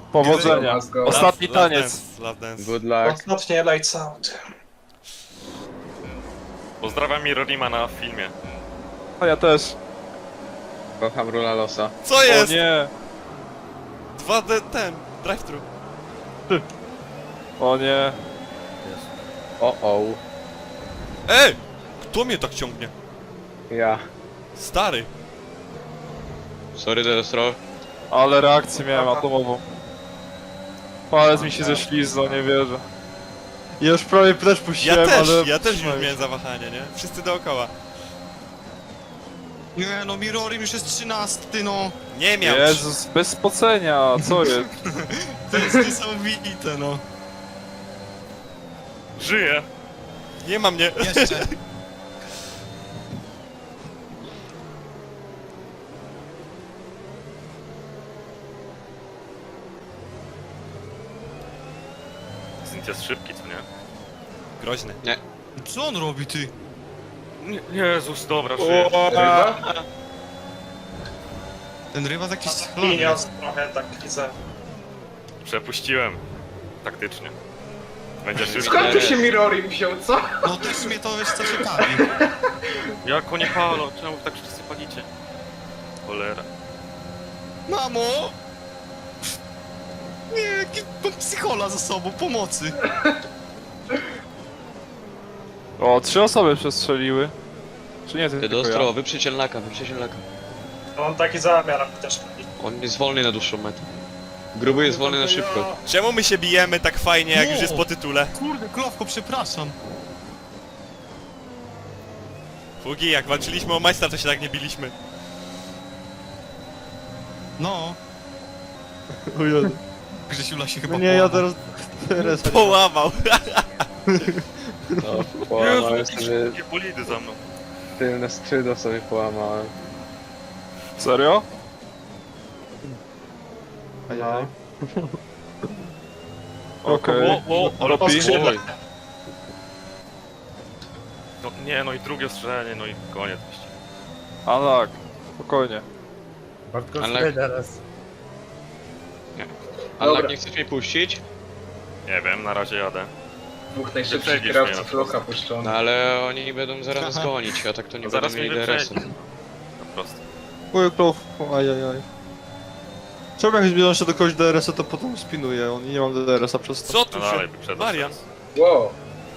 Powodzenia. Let's go. Ostatni taniec. Last dance. Good luck. Ostatnie lights out. Pozdrawiam Mirorima na filmie. A ja też. Kocham Rula Losa. Co O jest? nie. 2D ten, drive-thru. O nie. O. Ej! Kto mnie tak ciągnie? Ja. Stary. Sorry, Destro. Ale reakcję miałem atomową. Palec mi się ześliznął, nie wierzę. Ja już prawie też puściłem, ale... Ja też już trzymaj miałem się. zawahanie, nie? Wszyscy dookoła. Nie no, Mirorim już jest 13, no. Nie miał. Jezus, bez spocenia, co jest? To jest niesamowite, no. Żyję! Nie ma mnie. Jeszcze. Zint jest szybki, co nie? Groźny. Co on robi, ty? Jezus, dobra, żyję. Ten ryba jakiś schlony. Pieniądz trochę tak za... Przepuściłem. Taktycznie. Będzie szybki. Skąd tu się Mirori wziął, co? No też mnie to, wiesz, co ciekawi. Jak oni palą? Czemu tak wszyscy palicie? Cholera. Mamo! Nie, jaki mam psychola za sobą, pomocy. O, 3 osoby przestrzeliły. Czy nie, ty tylko ja? Destro, wyprzyj cielnaka, wyprzyj cielnaka. Mam taki zamiar też. On jest wolny na dłuższą metę. Gruby jest wolny na szybko. Czemu my się bijemy tak fajnie, jak już jest po tytule? Kurde, Klowko, przepraszam. Fugi, jak walczyliśmy o majstra, to się tak nie biliśmy. No. O Jezu. Grzesiula się chyba No nie, ja połamał. teraz... Połamał. No, połamałem Jezu, sobie jakie bolidy za mną. tylne skrzydło sobie połamałem. Serio? Ajaj. Okej. Ale Robi? skrzydle. No, nie, no i drugie strzelenie, no i koniec wyścigu. A tak, spokojnie. Ale... Dobra. Ale nie chcesz mnie puścić? Nie wiem, na razie jadę. Dwóch najszybszych Wyprzedzisz kierowców mnie na Loka puszczono. No ale oni będą zaraz nas gonić, a tak to nie Zaraz będą mnie mieli DRS-u. wyprzedzi. Po prostu. Oj, klof, ajajaj. Czemu jak zbliżam się do kogoś DRS-a, to potem spinuję, on nie mam DRS-a przez to. Co tu No dalej, się... wyprzedam. Marian. Wow.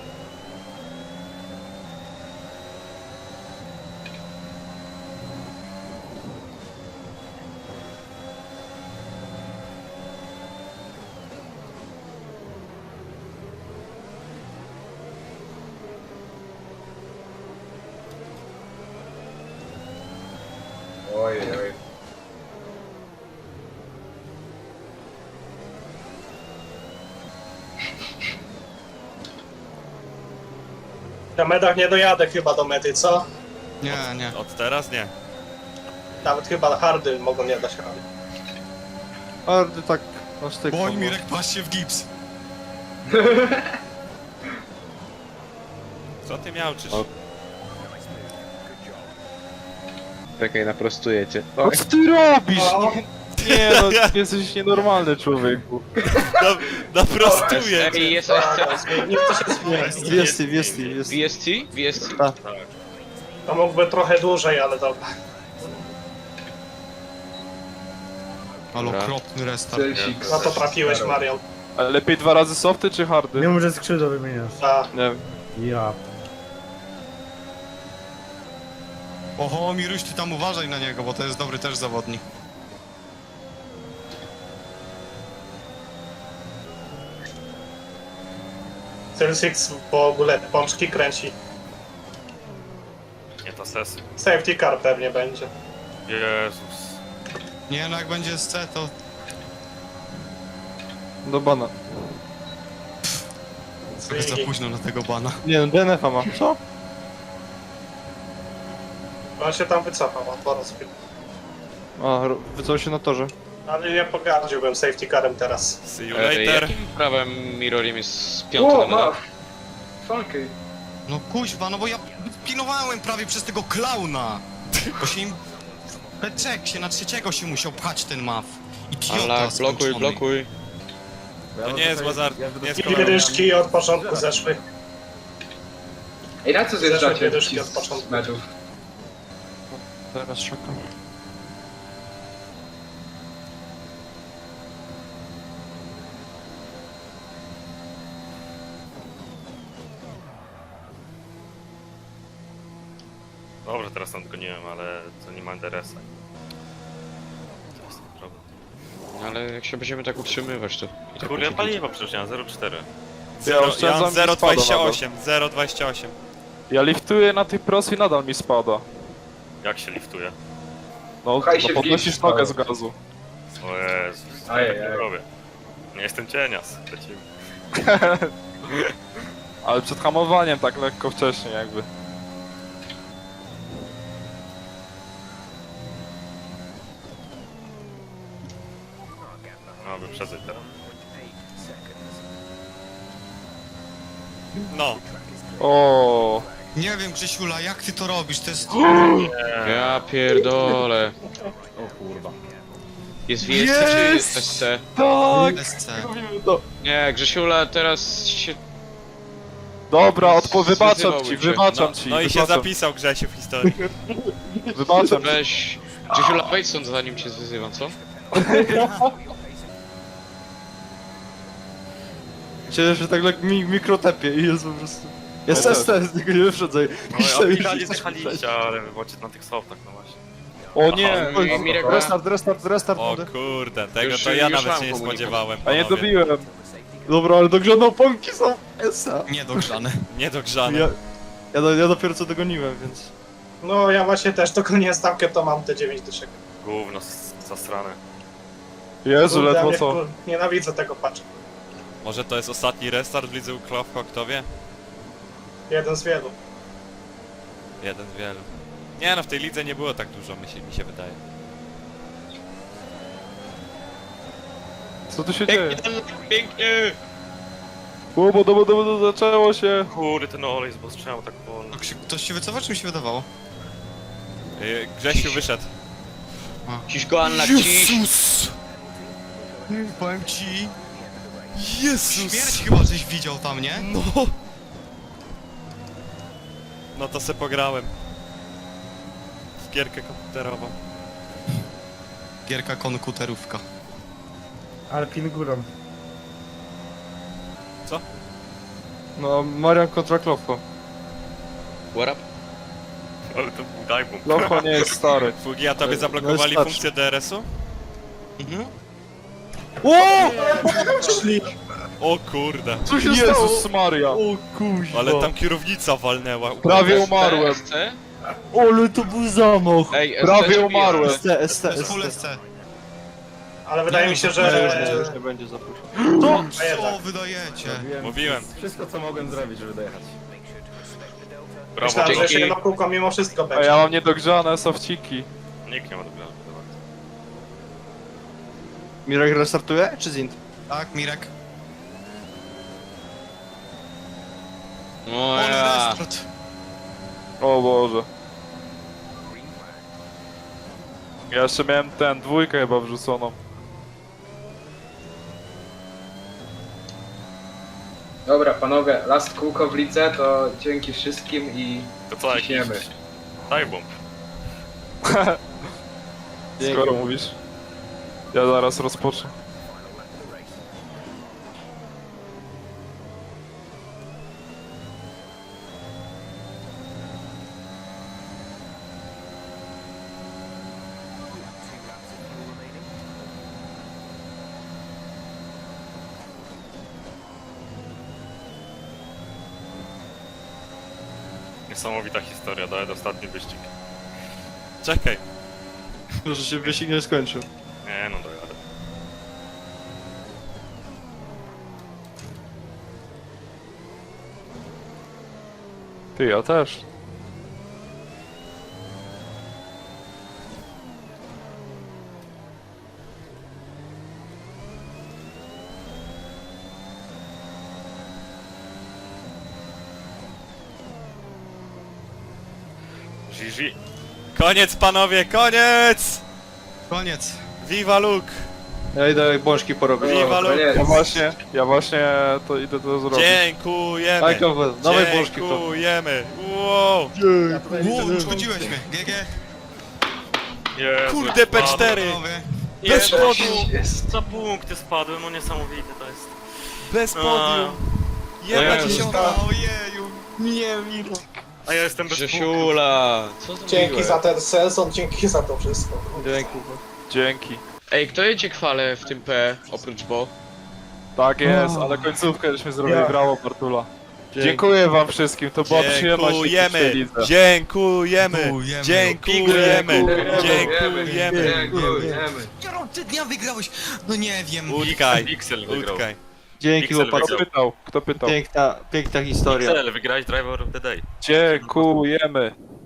Ojej. Na medach nie dojadę chyba do mety, co? Nie, nie. Od teraz nie. Nawet chyba hardy mogą nie dać rady. Ale tak, aż tak. Boj, Mirek, patrz się w gips. Co ty miałczysz? O. Czekaj, naprostuję cię. No co ty robisz? Nie no, jesteś nienormalny człowieku. Naprostuję Ej, cię. jest SC. Niech to się zmieni. Jest. VST? VST? To mógłby trochę dłużej, ale dobra. Ale Dobra. okropny restart. Celsik. No to trafiłeś, Marian. Ale lepiej 2 razy softy czy hardy? Nie może skrzydło wymieniasz. A, Nie wiem. Ja. Oho, Miruś, ty tam uważaj na niego, bo to jest dobry też zawodnik. Celsix w ogóle pączki kręci. Nie to sesy. Safety car pewnie będzie. Jezus. Nie no, jak będzie SC, to... Do bana. Trochę za późno na tego bana. Nie no, DNF-a ma. Co? On się tam wycofał, on po raz A, wycofał się na torze. Ale ja pogardziłbym safety carem teraz. See you later. Jakim prawem Mirorim jest piąty O, na ma! medal? Funky. No kuźwa, no bo ja pilnowałem prawie przez tego klauna. Bo się im... Peczek się na trzeciego się musiał pchać ten maf. Idiota Ale blokuj, skończony. blokuj. To nie jest Łazar, nie jest I kolorowy. dyszki od początku zeszły. Ej, na co zjeżdżacie Zeszły dyszki ci od początku. z meczów? Teraz szukam. Dobra, teraz tam goniłem, ale to nie ma DRS-a. To jest ten problem. Ale jak się będziemy tak utrzymywać, to... i tak Kurde, ja będzie paliwo przecież nie mam 0,4. Ja Ja oszczędzam mam i spada 0,28, 0,28. Ja liftuję na tej pros i nadal mi spada. Jak się liftuje? No, Pchaj się no w podnosisz gips, nogę ale- z gazu. O Jezus, ja Ajej, tak nie ajej. robię. Nie jestem cienias, przeciwnie. Ale przed hamowaniem tak lekko wcześniej jakby. No, wyprzedzaj teraz. No, O, Nie wiem, Grzesiula, jak ty to robisz? To jest... Ja pierdolę. O kurwa. Jest WSC czy jest SC? tak! SC. Robimy to. Nie, Grzesiula teraz się... Dobra, wybaczam Zwyzywał ci, cię. wybaczam no, ci. no i się wybaczam. zapisał Grzesiu w historii. Wybaczam ci. Weź... Grzesiula, wejdź stąd zanim cię zwyzywam, co? Cieszę się tak mikrotepie i jest po prostu... Jest Ja ST, z niego nie wyprzedzaj. No, ja finalnie zjechaliście, ale wybaczcie na tych softach, no właśnie. O nie! Oj, Mirek, Restart O mody. kurde, tego Już- to ja już nawet mam się nie komunikat. spodziewałem. A nie panowie. dobiłem. Dobra, ale dogrzane oponki są SA. Niedogrzane. Niedogrzane. Ja dopiero co dogoniłem, więc... No ja właśnie też dogoniłem stawkę, to mam te 9 dyszek. Gówno zasrane. Jezu, Kurde, ja ledwo mnie co. Nienawidzę tego patcha. Może to jest ostatni restart w lidze Uklawko, kto wie? Jeden z wielu. Jeden z wielu. Nie no, w tej lidze nie było tak dużo, mi się wydaje. Co tu się dzieje? Pięknie! Bo zaczęło się. Kurde, ten olej z bostrzemu tak wolno. Ktoś się wycofał, czy mi się wydawało? Grzesiu wyszedł. Ciś go, Anna, ciś! Jezus! Powiem ci... Jezus! Śmierć chyba żeś widział tam, nie? No! No to se pograłem. W gierkę komputerową. Gierka konkuterówka. Ale pin górą. Co? No, Marian kontra Klofko. What up? Ale to był dajbum. Locho nie jest stary. Fugi, a tobie zablokowali starszy. funkcję DRS-u? Mhm. O kurde. Co się Jezus Maria. O kuźwa. Ale tam kierownica walnęła. Prawie umarłem. SC? Ale to był zamach. Ej, SC Prawie czy umarłem. SC? ST. To jest full SC. Ale wydaje mi się, Już że... nie będzie zaproszony. To A jednak. co wydajecie? Mówiłem. Wszystko co mogłem zrobić, żeby dojechać. Brawo, Myślałem, że dzięki. jeszcze jedno kółko mimo wszystko A będzie. ja mam niedogrzane sofciki. nikt nie ma dobrego. Mirek restartuje, czy Zint? Tak, Mirek? No On ja. restart. O Boże. Ja jeszcze miałem dwójkę chyba wrzuconą. Dobra, panowie, last kółko w lidze, to dzięki wszystkim i To co, jakiś ciśniemy. dajbum. Skoro mówisz. Ja zaraz rozpocznę. Niesamowita historia, daję ostatni wyścig. Czekaj. Że się wyścig nie skończył. Nie no, dojadę. Ty, ja też. GG. Koniec panowie, koniec! Koniec. Viva Luke! Ja idę bączki porobić. Viva to nie- Ja właśnie to idę to zrobić. Dziękujemy! Daj kawę, dawaj bączki to. Dziękujemy! Wow! Ło, uszkodziłeś mnie. GG. Jezu, Kurde, P4! Panowie. Bez Jezu, podium! za punkty spadłem, no niesamowite to jest. Bez podium! Jedna Jezu. dziesiąta! Ojeju. Nie, Miro. A ja jestem bez punktów. Grzesiula, co Dzięki zrobiłeś? za ten sezon, dzięki za to wszystko. Dzięki. Dzięki. Ej, kto jedzie chwale w tym P, oprócz Bo? Tak jest, ale końcówkę żeśmy zrobili, Ja. brawo Bartula. Dziękuję wam wszystkim, to była przyjemność w tej Dziękujemy! lidze. Dziękujemy! Dziękujemy. Dziękujemy! Dziękujemy! Dziękujemy. Ty dnia wygrałeś. No nie wiem. Utkaj! Pixel wygrał. Utkaj! Dzięki Pixel chłopacy. wygrał. Kto pytał? Piękna historia. Pixel, wygrałeś Driver of the Day. Dziękujemy.